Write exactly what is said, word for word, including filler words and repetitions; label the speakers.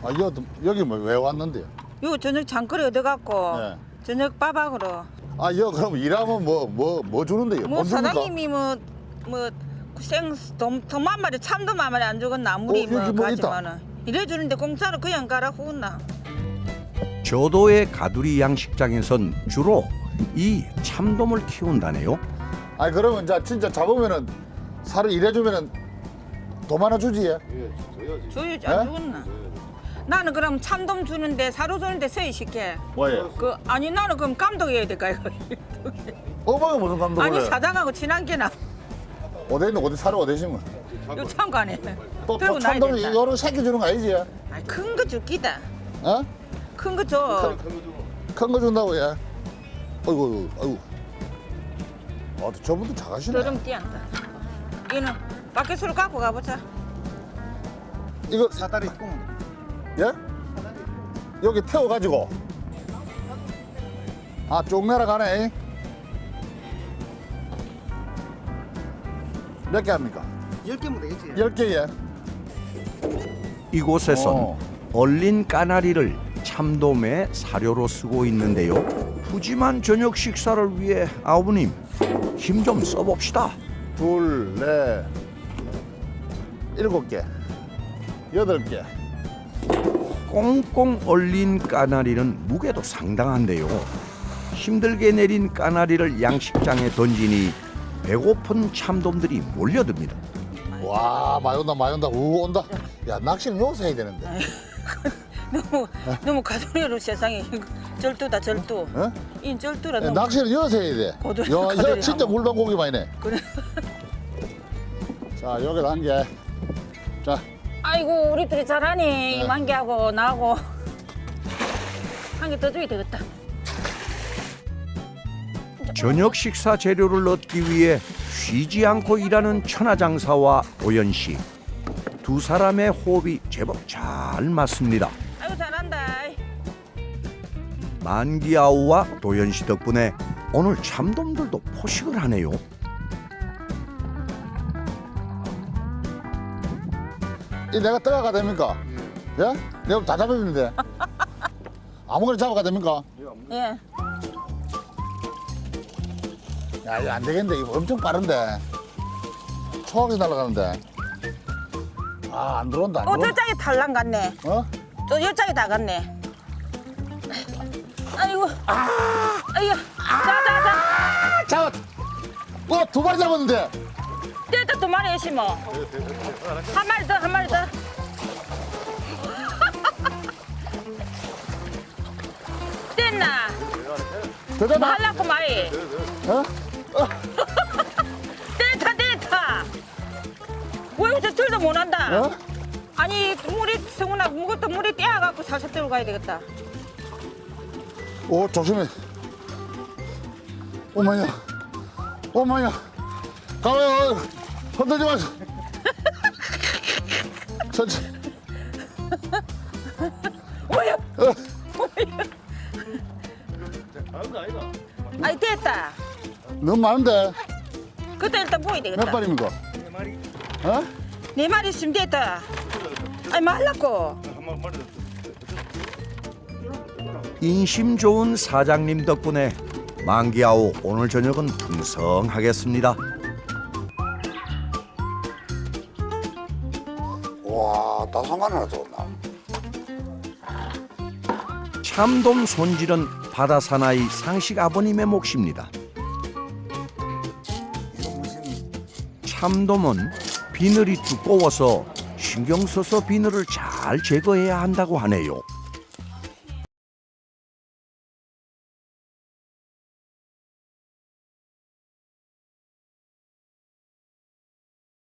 Speaker 1: 아, 여기, 여기 뭐 왜 왔는데요?
Speaker 2: 요 저녁 장거리 얻어갖고
Speaker 1: 네.
Speaker 2: 저녁 밥하고로.
Speaker 1: 아, 여기 그럼 일하면 뭐, 뭐, 뭐 주는데요?
Speaker 2: 뭐
Speaker 1: 돈 줍니까?
Speaker 2: 사장님이 뭐뭐생돈한 마리 참돔 한 마리 안 주겠나 아무리
Speaker 1: 어,
Speaker 2: 뭐
Speaker 1: 여기 뭐 있다.
Speaker 2: 가지만은 이래 주는데 공짜로 그냥 가라 후었나.
Speaker 3: 저도의 가두리 양식장에선 주로 이 참돔을 키운다네요.
Speaker 1: 아니, 그러면 이제 진짜 잡으면은 살을 일해주면은 돈 하나 주지? 예?
Speaker 2: 줘야지
Speaker 1: 에?
Speaker 2: 안 주겠나. 나는 그럼 참돔 주는데 사료 주는데 서희 시켜.
Speaker 1: 뭐예요?
Speaker 2: 그 아니 나는 그럼 감독해야 될까 이거.
Speaker 1: 어머가 무슨 감독을
Speaker 2: 아니
Speaker 1: 해요?
Speaker 2: 사장하고 친한 게나.
Speaker 1: 어디 있는 어디 살을 어디 심어?
Speaker 2: 요 참관에
Speaker 1: 또,
Speaker 2: 들고
Speaker 1: 또
Speaker 2: 나야
Speaker 1: 참돔이
Speaker 2: 된다.
Speaker 1: 이거는 새끼 주는 거 아니지?
Speaker 2: 아니 큰 거 줄기다.
Speaker 1: 어?
Speaker 2: 큰 거 줘.
Speaker 1: 큰 거 준다고, 예? 아이고, 아이고. 아, 저분도 작으시네.
Speaker 2: 드럼 띄한다. 이는 밖에서 갖고 가보자.
Speaker 1: 이거,
Speaker 4: 사다리 꽁.
Speaker 1: 예? 여기 태워가지고. 아, 쭉 내려가네. 몇 개 합니까?
Speaker 4: 열 개면 되겠지.
Speaker 1: 열 개에.
Speaker 3: 이곳에선
Speaker 1: 어.
Speaker 3: 얼린 까나리를 참돔의 사료로 쓰고 있는데요. 푸짐한 저녁 식사를 위해 아버님 힘 좀 써봅시다.
Speaker 1: 둘, 넷, 일곱 개, 여덟 개.
Speaker 3: 꽁꽁 얼린 까나리는 무게도 상당한데요. 힘들게 내린 까나리를 양식장에 던지니 배고픈 참돔들이 몰려듭니다.
Speaker 1: 와, 많이 온다, 많이 온다. 우, 온다. 야, 낚시는 여기서 해야 되는데.
Speaker 2: 너무 너무 가두리로 세상에 절도다 절도.
Speaker 1: 어?
Speaker 2: 이 절도라
Speaker 1: 야,
Speaker 2: 너무.
Speaker 1: 낚시는 여기서 해야 돼.
Speaker 2: 고들-
Speaker 1: 야,
Speaker 2: 고들이
Speaker 1: 야, 진짜
Speaker 2: 하고.
Speaker 1: 물방 고기만이네.
Speaker 2: 그래.
Speaker 1: 자, 여기 한 개. 자,
Speaker 2: 아이고 우리 둘이 잘하니
Speaker 1: 네.
Speaker 2: 만개하고 나하고 한 개 더 줘야 되겠다.
Speaker 3: 저녁 식사 재료를 얻기 위해 쉬지 않고 일하는 천하장사와 도연 씨. 두 사람의 호흡이 제법 잘 맞습니다.
Speaker 2: 아이고 잘한다.
Speaker 3: 만기아우와 도연 씨 덕분에 오늘 참돔들도 포식을 하네요.
Speaker 1: 이 내가 떠가가 됩니까? 예? 내가 다 잡아주는데. 아무거나 잡아가 됩니까?
Speaker 2: 예.
Speaker 1: 야, 이거 안 되겠는데. 이거 엄청 빠른데. 초학생 날아가는데. 아, 안 들어온다, 안
Speaker 2: 어
Speaker 1: 들어온다.
Speaker 2: 저짝이 탈랑 갔네.
Speaker 1: 어?
Speaker 2: 저 열짝이 다 갔네. 아이고. 아. 아이고. 자자자.
Speaker 1: 잡았! 어, 두 마리 잡았는데.
Speaker 2: 떼다 두 마리 해시 뭐. 한 마리 더, 한 마리 더. 뗐나?
Speaker 1: 더 잡아.
Speaker 2: 할라고 말이.
Speaker 1: 어?
Speaker 2: 떼다 떼다. 왜 이렇게 절도 못한다?
Speaker 1: 어?
Speaker 2: 아니 물이 성훈아 무것도 물이 떼어갖고 살살 들고 가야 되겠다.
Speaker 1: 오, 조심해. 오마야. 오마야. 가만히 흔들지 마세요. 천천히.
Speaker 2: 뭐야?
Speaker 1: 어.
Speaker 2: 아니 됐다.
Speaker 1: 너무 많은데.
Speaker 2: 그때 일단 보여야
Speaker 1: 몇
Speaker 2: 되겠다.
Speaker 1: 발입니까? 어?
Speaker 2: 네 마리 있으면 됐다. 아니 말라고.
Speaker 3: 인심 좋은 사장님 덕분에 만기아우 오늘 저녁은 풍성하겠습니다.
Speaker 1: 와, 다 상관 하나 더 없나?
Speaker 3: 참돔 손질은 바다 사나이 상식 아버님의 몫입니다. 참돔은 비늘이 두꺼워서 신경 써서 비늘을 잘 제거해야 한다고 하네요.